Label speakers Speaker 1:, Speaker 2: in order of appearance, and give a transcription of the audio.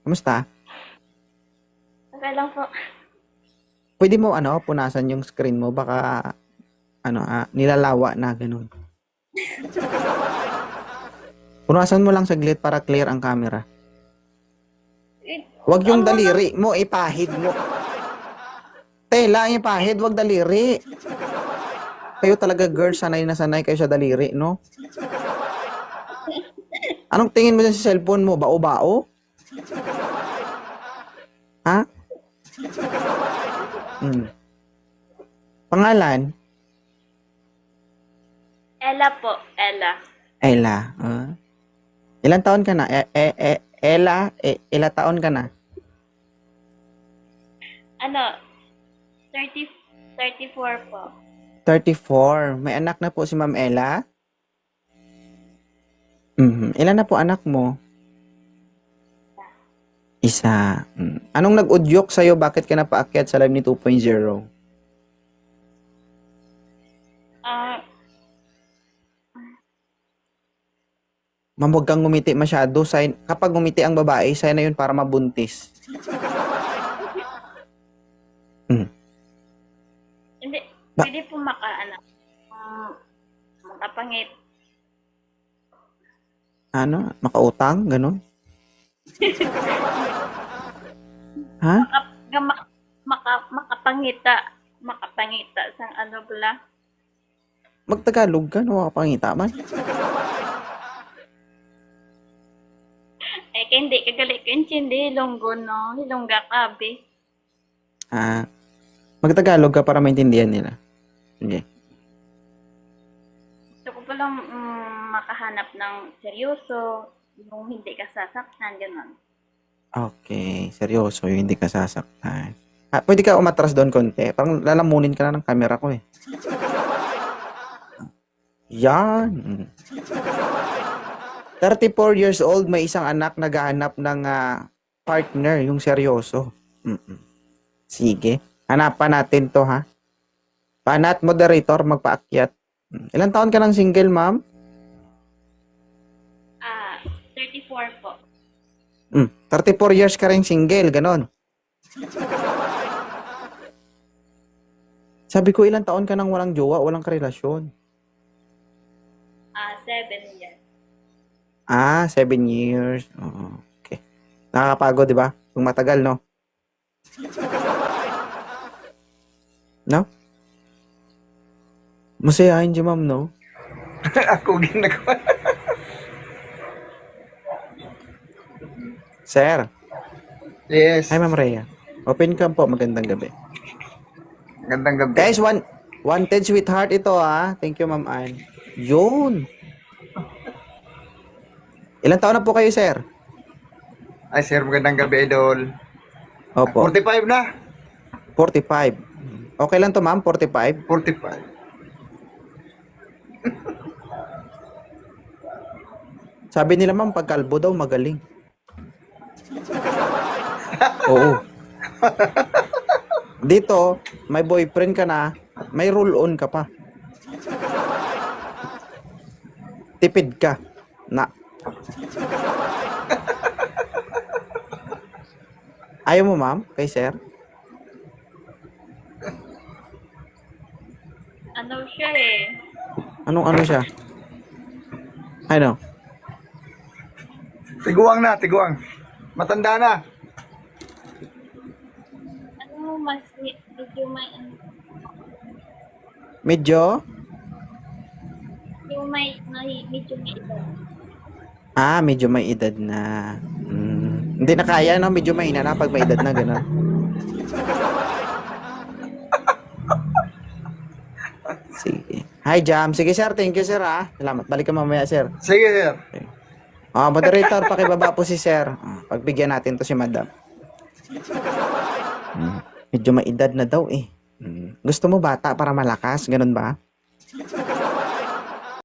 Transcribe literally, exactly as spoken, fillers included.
Speaker 1: Kumusta?
Speaker 2: Okay lang po.
Speaker 1: Pwede mo ano, punasan yung screen mo baka ano, ah, nilalawa na ganun. Punasan mo lang saglit para clear ang camera.
Speaker 2: Eh,
Speaker 1: Wag yung
Speaker 2: ano lang,
Speaker 1: daliri mo, ipahid mo. Tela, ipahid, wag daliri. Kayo talaga girls, sanay na sanay kayo sa daliri, no? Anong tingin mo dyan sa cellphone mo? Bao-bao? Ha? Hmm. Pangalan?
Speaker 2: Ella po, Ella.
Speaker 1: Ella. Ah. Ilan taon ka na? E, e, e, Ella, e, ilang taon ka na?
Speaker 2: Ano, thirty, thirty-four po.
Speaker 1: thirty-four. May anak na po si Ma'am Ella? Mhm. Ilan na po anak mo? Isa. Mm. Anong nag-udyok sa'yo? Bakit ka napaakyat sa live ni two point oh?
Speaker 2: Ah,
Speaker 1: Ma'am, huwag kang ngumiti masyado. Sign, kapag ngumiti ang babae, sign na yun para mabuntis. Mm.
Speaker 2: hindi,
Speaker 1: Ba-
Speaker 2: pwede po maka, ano, um, makapangit.
Speaker 1: Ano? Makautang? Ganon? Ha?
Speaker 2: Maka, ga- mak- maka, makapangita. Makapangita sa ano pala.
Speaker 1: Magtagalog ka, no? Makapangita man.
Speaker 2: Eh, kaya hindi, kagali ka hindi, hilonggo, no? Hilongga ka, be.
Speaker 1: Ah, magtagalog ka para maintindihan nila. Sige.
Speaker 2: Gusto ko palang mm, makahanap ng seryoso, yung hindi ka sasaktan, gano'n.
Speaker 1: Okay, seryoso, yung hindi ka sasaktan. Ah, pwede ka umatras doon konti. Parang lalamunin ka na ng camera ko eh. Yan. Mm. thirty-four years old, may isang anak naghahanap ng ah, partner, yung seryoso. Mm-mm. Sige. Hanapan natin to ha. Panat moderator, magpaakyat. Mm. Ilang taon ka ng single, ma'am?
Speaker 2: Ah, thirty-four po.
Speaker 1: Mm. thirty-four years ka rin single, ganon. Sabi ko, ilang taon ka nang walang jowa, walang karelasyon?
Speaker 2: Ah, seven years.
Speaker 1: Ah, seven years. Oo, okay. Nakakapagod, di ba? Kung matagal, no? No? Masayahin si ma'am, no?
Speaker 3: Ako ginagawa.
Speaker 1: Sir.
Speaker 3: Yes.
Speaker 1: Hi, Ma'am Rhea. Open cam po. Magandang gabi.
Speaker 3: Gandang gabi.
Speaker 1: Guys, one, wanted sweetheart ito, ah. Thank you, Ma'am Ann. Yun. Ilang taon na po kayo, sir?
Speaker 3: Ay, sir, magandang gabi, idol.
Speaker 1: Opo.
Speaker 3: forty-five na.
Speaker 1: forty-five. Okay lang to, ma'am? forty-five?
Speaker 3: forty-five.
Speaker 1: Sabi nila, ma'am, pag kalbo daw, magaling. Oo. Dito, may boyfriend ka na, may roll-on ka pa. Tipid ka. Na. Ayaw mo, ma'am? Kay sir?
Speaker 2: Ano siya eh?
Speaker 1: Anong ano siya? Ano?
Speaker 3: Tiguang na, tiguang. Matanda na.
Speaker 2: Ano, mas med- medyo may, ano,
Speaker 1: Medyo?
Speaker 2: yung may, may, medyo may edad.
Speaker 1: Ah, medyo may edad na. Mm. Hindi na kaya, no? Medyo may na pag may edad na, gano'n. Sige. Hi, Jam. Sige, sir. Thank you, sir, ha. Salamat. Balik ka mamaya, sir.
Speaker 3: Sige, sir.
Speaker 1: Ah, moderator, pakibaba po si sir. Ah, pagbigyan natin to si madam. Mm. Medyo may edad na daw, eh. Mm. Gusto mo bata para malakas? Ganun ba?